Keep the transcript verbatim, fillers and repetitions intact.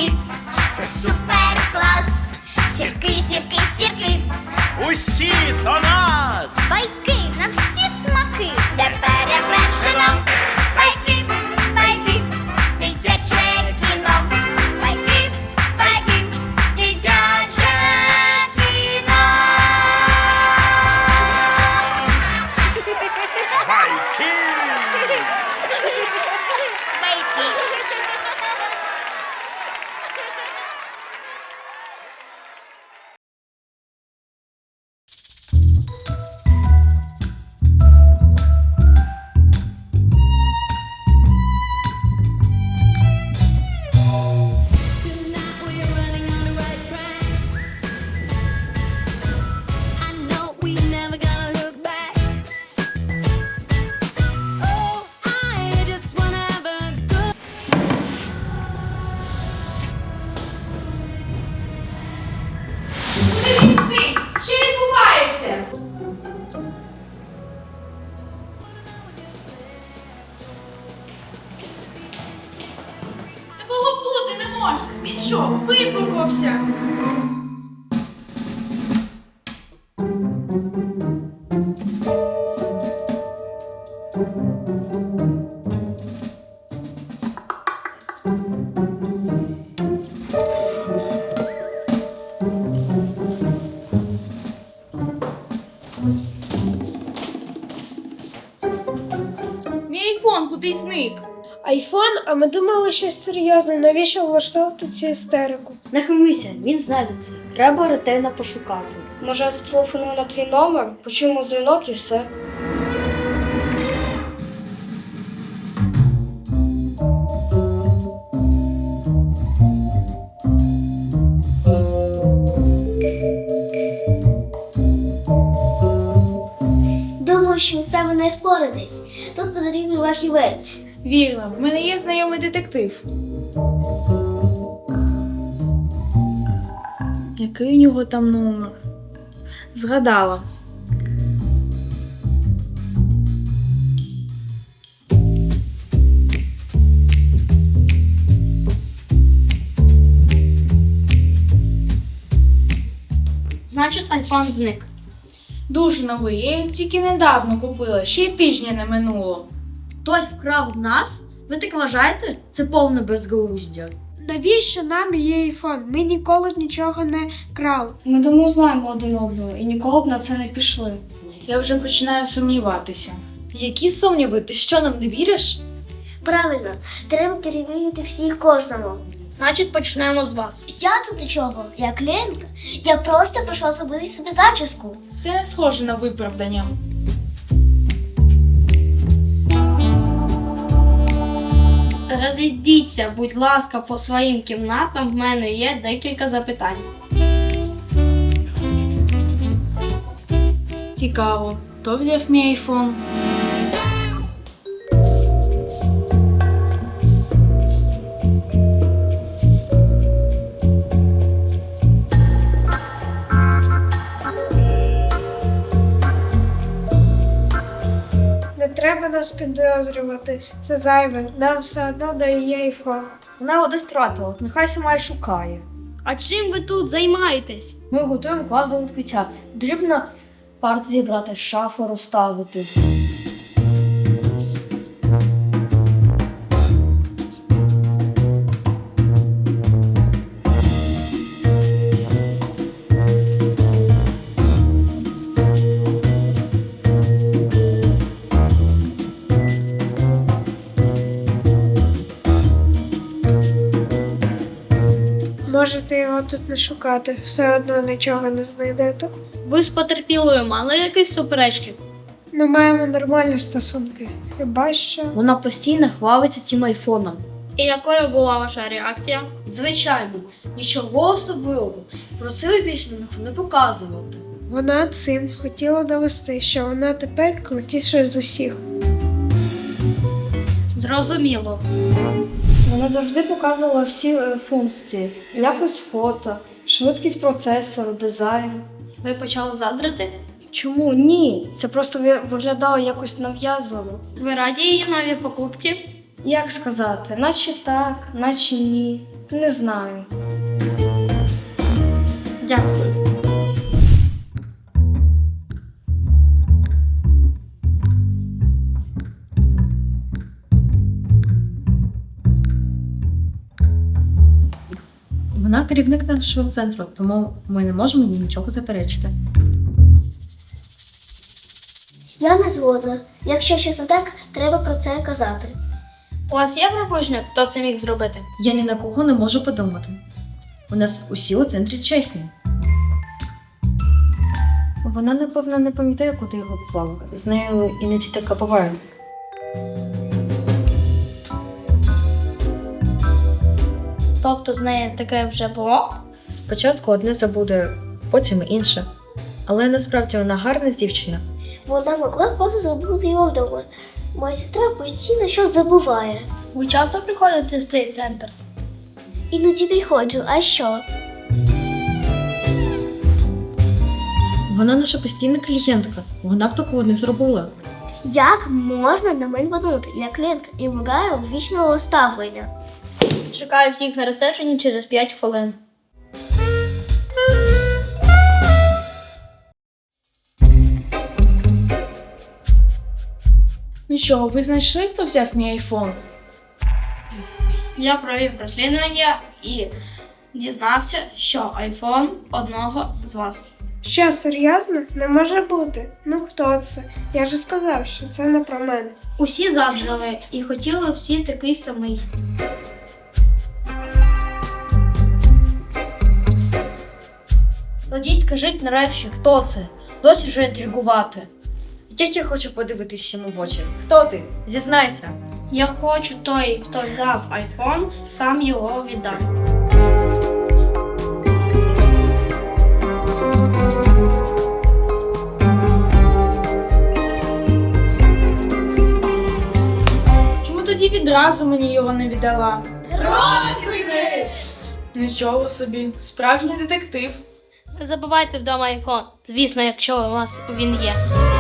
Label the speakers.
Speaker 1: сірки, це супер клас. Сірки, сірки, сірки,
Speaker 2: Усі до нас!
Speaker 1: байки на всі смаки, де перевершено. Байки, байки, дитяче кіно. Байки, байки, дитяче кіно.
Speaker 2: Байки!
Speaker 3: Tonight we're running on the right track. I know we never gonna look back. Oh, I just wanna have a good.
Speaker 4: Куди він зник? Що відбувається? Такого бути не може. Він що, випарувався? Мій айфон кудись зник.
Speaker 5: Айфон, а ми думали щось серйозне. Навіщо влаштовувати цю істерику?
Speaker 6: Не хвилюйся, він знайдеться. Треба ретельно пошукати.
Speaker 7: Може, я зателефоную на твій номер, почуємо дзвінок і все.
Speaker 8: Думаю, що ви саме не впоратесь. Тут потрібен фахівець.
Speaker 4: Вірно, в мене є знайомий детектив. Який у нього там номер? Згадала.
Speaker 6: Значить, айфон зник.
Speaker 4: Дуже новий, я його тільки недавно купила, ще й тижня не минуло.
Speaker 6: Хтось вкрав з нас? Ви так вважаєте? Це повне безглуздя.
Speaker 5: Навіщо нам є айфон? Ми ніколи нічого не крали.
Speaker 7: Ми давно знаємо один одного і ніколи б на це не пішли.
Speaker 4: Я вже починаю сумніватися.
Speaker 6: Які сумніви? Ти що, нам не віриш?
Speaker 8: Правильно, треба перевірити всіх кожному.
Speaker 6: Значить, почнемо з вас.
Speaker 8: Я тут до чого? Я клієнтка. Я просто прийшла зробити собі зачіску.
Speaker 4: Це не схоже на виправдання.
Speaker 6: Розійдіться, будь ласка, по своїм кімнатам. В мене є декілька запитань.
Speaker 4: Цікаво, хто взяв мій айфон?
Speaker 5: Не треба нас підозрювати. Це зайве. Нам все одно дає айфон.
Speaker 6: Вона його десь втратила, нехай сама й шукає. А чим ви тут займаєтесь? Ми готуємо клас до відкриття. Потрібно парти зібрати, шафу розставити.
Speaker 5: Можете його тут не шукати, все одно нічого не знайдете.
Speaker 6: Ви з потерпілою мали якісь суперечки?
Speaker 5: Ми маємо нормальні стосунки. Хіба що.
Speaker 6: Вона постійно хвалиться цим айфоном.
Speaker 7: І якою була ваша реакція?
Speaker 6: Звичайно, нічого особливого. Просили більше на не показувати.
Speaker 5: Вона цим хотіла довести, що вона тепер крутіша з усіх.
Speaker 6: Зрозуміло.
Speaker 7: Вона завжди показувала всі е, функції. Якось фото, швидкість процесору, дизайн.
Speaker 6: Ви почали заздрити?
Speaker 7: Чому? Ні. Це просто ви- виглядало якось нав'язливо.
Speaker 6: Ви раді її новій покупці?
Speaker 7: Як сказати, наче так, наче ні. Не знаю. Дякую.
Speaker 9: Вона керівник нашого центру, тому ми не можемо їй нічого заперечити.
Speaker 8: Я не згодна. Якщо щось не так, треба про це казати.
Speaker 6: У вас є припущення, хто це міг зробити?
Speaker 9: Я ні на кого не можу подумати. У нас усі у центрі чесні. Вона, напевно, не пам'ятає, куди його поклала. З нею іноді таке буває.
Speaker 6: Тобто з нею таке вже було?
Speaker 9: Спочатку одне забуде, потім інше. Але насправді вона гарна дівчина.
Speaker 8: Вона могла просто забути його вдома. Моя сестра постійно щось забуває.
Speaker 6: Ви часто приходите в цей центр?
Speaker 8: Іноді приходжу, а що?
Speaker 9: Вона наша постійна клієнтка. Вона б такого не зробила.
Speaker 8: Як можна на мене подумати? Я клієнтка і вимагаю вічного ставлення.
Speaker 6: Чекаю всіх на ресепшені через п'ять хвилин.
Speaker 4: Ну що, ви знайшли, хто взяв мій айфон?
Speaker 6: Я провів розслідування і дізнався, що айфон одного з вас.
Speaker 5: Що, серйозно? Не може бути. Ну хто це? Я ж сказав, що це не про мене.
Speaker 6: Усі заджали і хотіли всі такий самий. Тоді скажіть нарешті, хто це? Досі вже інтригувати.
Speaker 9: Як я хочу подивитись йому в очі. Хто ти? Зізнайся.
Speaker 6: Я хочу той, хто взяв айфон, сам його віддав.
Speaker 4: Чому тоді відразу мені його не віддала? Нічого собі, справжній детектив.
Speaker 6: Не забувайте вдома айфон. Звісно, якщо у вас він є.